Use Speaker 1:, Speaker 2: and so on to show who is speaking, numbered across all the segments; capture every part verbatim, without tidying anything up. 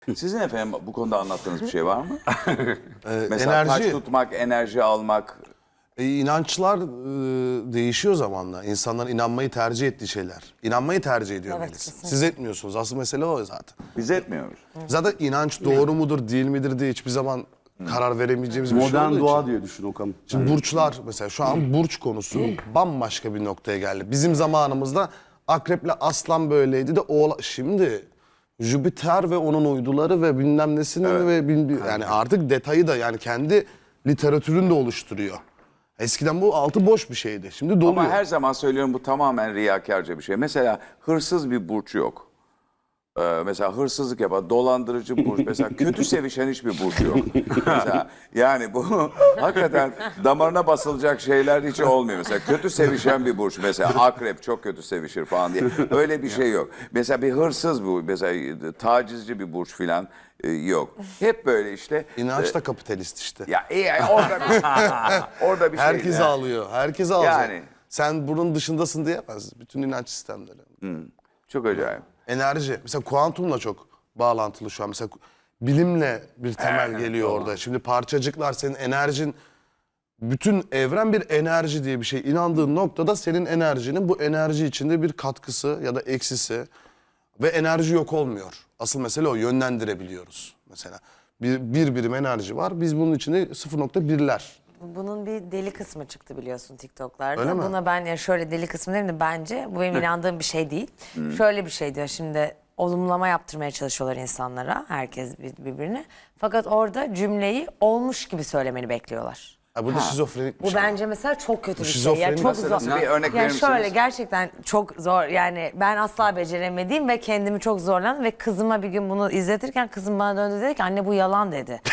Speaker 1: Sizin efendim bu konuda anlattığınız bir şey var mı?
Speaker 2: Ee,
Speaker 1: Mesela
Speaker 2: enerji,
Speaker 1: taş tutmak, enerji almak.
Speaker 2: e, inançlar e, değişiyor zamanla. İnsanların inanmayı tercih ettiği şeyler. İnanmayı tercih ediyor
Speaker 3: Evet,
Speaker 2: Melis.
Speaker 3: kesinlikle.
Speaker 2: Siz etmiyorsunuz. Asıl mesele o zaten.
Speaker 1: Biz etmiyoruz.
Speaker 2: Zaten inanç doğru mudur, değil midir diye hiçbir zaman karar veremeyeceğimiz bir şey
Speaker 4: Modern
Speaker 2: olduğu
Speaker 4: doğa
Speaker 2: için.
Speaker 4: diye düşün Okan.
Speaker 2: Şimdi burçlar mesela şu an burç konusu bambaşka bir noktaya geldi. Bizim zamanımızda akreple aslan böyleydi de oğla... Şimdi Jüpiter ve onun uyduları ve bilmem nesinin ve bil- yani artık detayı da yani kendi literatürünü de oluşturuyor. Eskiden bu altı boş bir şeydi. Şimdi doluyor.
Speaker 1: Ama her zaman söylüyorum bu tamamen riyakarca bir şey. Mesela hırsız bir burç yok. Ee, mesela hırsızlık yapan, dolandırıcı burç, mesela kötü sevişen hiçbir burç yok. Mesela yani bu hakikaten damarına basılacak şeyler hiç olmuyor. Mesela kötü sevişen bir burç, mesela akrep çok kötü sevişir falan diye. Öyle bir şey yok. Mesela bir hırsız bu, mesela tacizci bir burç filan e, yok. Hep böyle işte.
Speaker 2: İnanç da kapitalist işte.
Speaker 1: Ya iyi yani orada bir, orada bir şey.
Speaker 2: Herkes
Speaker 1: yani.
Speaker 2: ağlıyor. Herkes ağlıyor.
Speaker 1: Yani.
Speaker 2: Sen bunun dışındasın diyemez. Bütün inanç sistemleri.
Speaker 1: Çok acayip.
Speaker 2: Enerji. Mesela kuantumla çok bağlantılı şu an. Mesela bilimle bir temel
Speaker 1: Evet,
Speaker 2: geliyor
Speaker 1: doğru.
Speaker 2: orada. Şimdi parçacıklar senin enerjin, bütün evren bir enerji diye bir şey. İnandığın noktada senin enerjinin bu enerji içinde bir katkısı ya da eksisi ve enerji yok olmuyor. Asıl mesele o, yönlendirebiliyoruz mesela. Bir, bir birim enerji var. Biz bunun içinde sıfır nokta birler.
Speaker 3: Bunun bir deli kısmı çıktı biliyorsun TikTok'larda.
Speaker 2: Öyle mi?
Speaker 3: Buna ben ya şöyle deli kısmı değil de bence bu benim inandığım bir şey değil. Şöyle bir şey diyor şimdi olumlama yaptırmaya çalışıyorlar insanlara herkes bir- birbirine. Fakat orada cümleyi olmuş gibi söylemeni bekliyorlar.
Speaker 2: Ha, bu da şizofrenik bir
Speaker 3: Bu
Speaker 2: şey.
Speaker 3: bence mesela çok kötü bir şey.
Speaker 2: şizofreni
Speaker 3: Ya çok
Speaker 1: nasıl-
Speaker 3: zor.
Speaker 1: nasıl bir örnek
Speaker 3: yani
Speaker 1: verir
Speaker 3: şöyle
Speaker 1: misiniz?
Speaker 3: gerçekten çok zor. Yani ben asla beceremediğim ve kendimi çok zorlandım ve kızıma bir gün bunu izletirken kızım bana döndü dedi ki anne bu yalan dedi.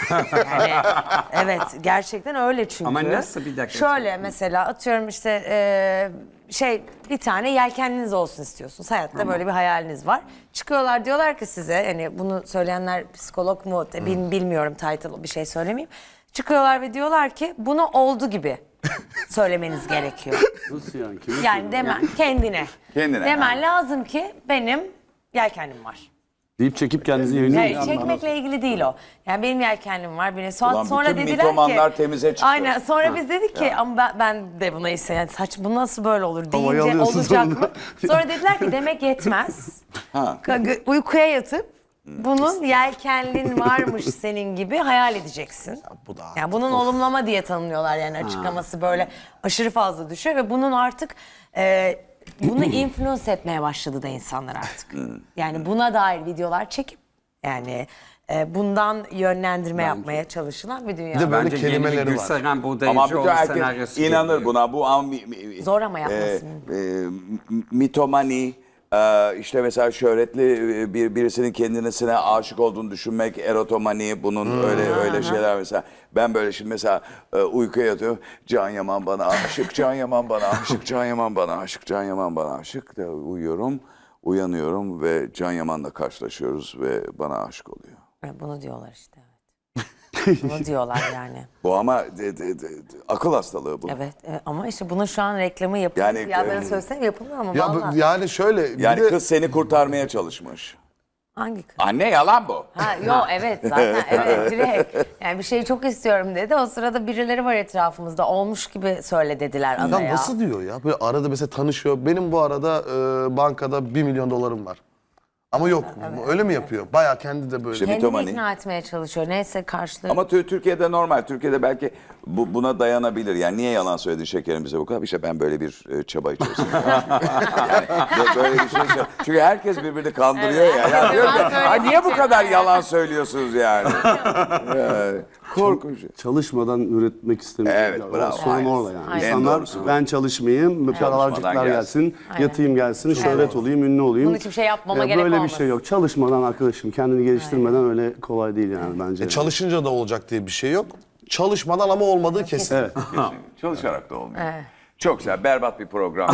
Speaker 3: Yani evet gerçekten öyle çünkü.
Speaker 5: Ama nasıl bir dakika?
Speaker 3: Şöyle mesela atıyorum işte e, şey bir tane yelkenliniz olsun istiyorsunuz. Hayatta böyle bir hayaliniz var. Çıkıyorlar diyorlar ki size hani bunu söyleyenler psikolog mu bil- bilmiyorum title bir şey söylemeyeyim. Çıkıyorlar ve diyorlar ki bunu oldu gibi söylemeniz gerekiyor.
Speaker 4: Nasıl yani? Kime
Speaker 3: Yani demen kendine.
Speaker 1: Kendine,
Speaker 3: Demen
Speaker 1: ha.
Speaker 3: lazım ki benim yelkenlim var.
Speaker 4: deyip çekip kendinizi yayınlıyor
Speaker 3: Yani
Speaker 4: musunuz?
Speaker 3: çekmekle ilgili değil o. Yani benim yelkenlim var. Benim sonra,
Speaker 1: Ulan
Speaker 3: sonra
Speaker 1: bütün
Speaker 3: dediler
Speaker 1: mitomanlar
Speaker 3: ki
Speaker 1: temize çıktı.
Speaker 3: Aynen. Sonra biz dedik ki ama ben, ben de buna ise yani saç bu nasıl böyle olur
Speaker 4: Havayı
Speaker 3: deyince
Speaker 4: alıyorsun
Speaker 3: olacak
Speaker 4: sonunda.
Speaker 3: mı? Sonra dediler ki demek yetmez.
Speaker 1: Ha.
Speaker 3: Ka- Uykuya yatıp bunun yelkenlin varmış senin gibi hayal edeceksin.
Speaker 2: Bu da
Speaker 3: Yani bunun olumlama diye tanımlıyorlar yani açıklaması böyle aşırı fazla düşüyor ve bunun artık e, bunu influence etmeye başladı da insanlar artık. Yani buna dair videolar çekip yani e, bundan yönlendirme yapmaya çalışılan bir dünya.
Speaker 2: Bir de böyle
Speaker 5: Bence yeni bir
Speaker 2: kelimeleri var.
Speaker 5: Gülseren
Speaker 1: Ama
Speaker 5: Buğdayıcıoğlu
Speaker 1: bütün herkes
Speaker 5: senaryosu
Speaker 1: inanır
Speaker 5: geliyor.
Speaker 1: buna. Bu an, mi- mi-
Speaker 3: Zor ama yapması.
Speaker 1: e, e, mitomani, e, işte mesela şöhretli e, bir birisinin kendisine aşık olduğunu düşünmek, erotomani, bunun öyle öyle şeyler mesela. Ben böyle şimdi mesela e, uykuya yatıyorum. Can Yaman bana aşık, Can Yaman bana aşık, Can Yaman bana aşık, Can Yaman bana aşık de uyuyorum. Uyanıyorum ve Can Yaman'la karşılaşıyoruz ve bana aşık oluyor.
Speaker 3: Evet, bunu diyorlar işte. Evet. Bunu diyorlar yani.
Speaker 1: Bu ama de- de- de- de- akıl hastalığı bu.
Speaker 3: Evet, evet ama işte bunun şu an reklamı yapılıyor.
Speaker 1: Yani,
Speaker 3: ya ben
Speaker 1: e,
Speaker 3: söylesem yapılmıyor ama
Speaker 2: Ya, bu-
Speaker 3: vallahi.
Speaker 2: yani şöyle bir
Speaker 1: Yani
Speaker 2: de-
Speaker 1: kız seni kurtarmaya çalışmış.
Speaker 3: Hangi kız?
Speaker 1: Anne yalan bu.
Speaker 3: Ha yo evet zaten evet direkt. Yani bir şeyi çok istiyorum dedi. O sırada birileri var etrafımızda. Olmuş gibi söyle dediler
Speaker 2: Adam
Speaker 3: adaya.
Speaker 2: nasıl diyor ya? Böyle arada mesela tanışıyor. Benim bu arada e, bankada bir milyon dolarım var. Ama yok. Öyle mi yapıyor? Bayağı kendi de böyle.
Speaker 1: İşte
Speaker 3: Kendini
Speaker 1: mitomani.
Speaker 3: ikna etmeye çalışıyor. Neyse karşılığı.
Speaker 1: Ama Tü- Türkiye'de normal. Türkiye'de belki bu, buna dayanabilir. Yani niye yalan söyledin şekerim bize bu kadar? İşte ben böyle bir e, çaba içerisinde. yani bö- böyle bir şey. söyle- Çünkü herkes birbirini kandırıyor ya. ya
Speaker 3: herkes
Speaker 1: diyor ki,
Speaker 3: yalan
Speaker 1: "Ay, niye bu
Speaker 3: söylediği
Speaker 1: kadar
Speaker 3: için."
Speaker 1: yalan söylüyorsunuz yani? yani korkunç.
Speaker 4: Çalışmadan üretmek istemiyor.
Speaker 1: Evet,
Speaker 4: Ya,
Speaker 1: bravo.
Speaker 4: Sorun
Speaker 1: Aynen.
Speaker 4: orada yani.
Speaker 3: Aynen.
Speaker 1: En
Speaker 4: İnsanlar
Speaker 1: doğrusu bu.
Speaker 4: ben çalışmayayım, paralarcıklar
Speaker 1: gelsin.
Speaker 4: gelsin,
Speaker 3: Aynen.
Speaker 4: yatayım gelsin, şöhret olayım, ünlü olayım.
Speaker 3: Bunun için bir şey yapmama
Speaker 4: Ya
Speaker 3: gerek
Speaker 4: Böyle bir
Speaker 3: olmasın.
Speaker 4: şey yok. Çalışmadan arkadaşım, kendini geliştirmeden öyle kolay değil yani bence.
Speaker 2: E, çalışınca da olacak diye bir şey yok. Çalışmadan ama olmadığı kesin.
Speaker 4: Evet.
Speaker 1: Çalışarak da olmuyor.
Speaker 3: Evet.
Speaker 1: Çok güzel, berbat bir program.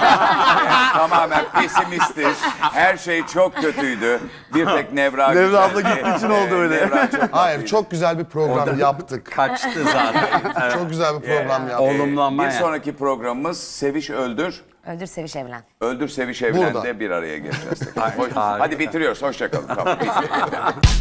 Speaker 1: Yani tamamen pesimistiz. Her şey çok kötüydü. Bir tek Nevra
Speaker 4: Nevra abla
Speaker 1: güzeldi.
Speaker 4: gittiği için oldu öyle.
Speaker 1: Nevra çok
Speaker 2: Hayır,
Speaker 1: tatlıydı.
Speaker 2: çok güzel bir program yaptık.
Speaker 5: Kaçtı zaten.
Speaker 2: Çok güzel bir program yaptık.
Speaker 5: Olumlanma
Speaker 1: Bir
Speaker 5: yani.
Speaker 1: sonraki programımız Seviş Öldür.
Speaker 3: Öldür seviş evlen.
Speaker 1: Öldür Seviş Evlen'de
Speaker 2: Burada.
Speaker 1: bir araya geleceğiz. tekrar.
Speaker 5: Ay,
Speaker 1: Hoş-
Speaker 5: harika.
Speaker 1: Hadi bitiriyoruz. Hoşçakalın. Tamam.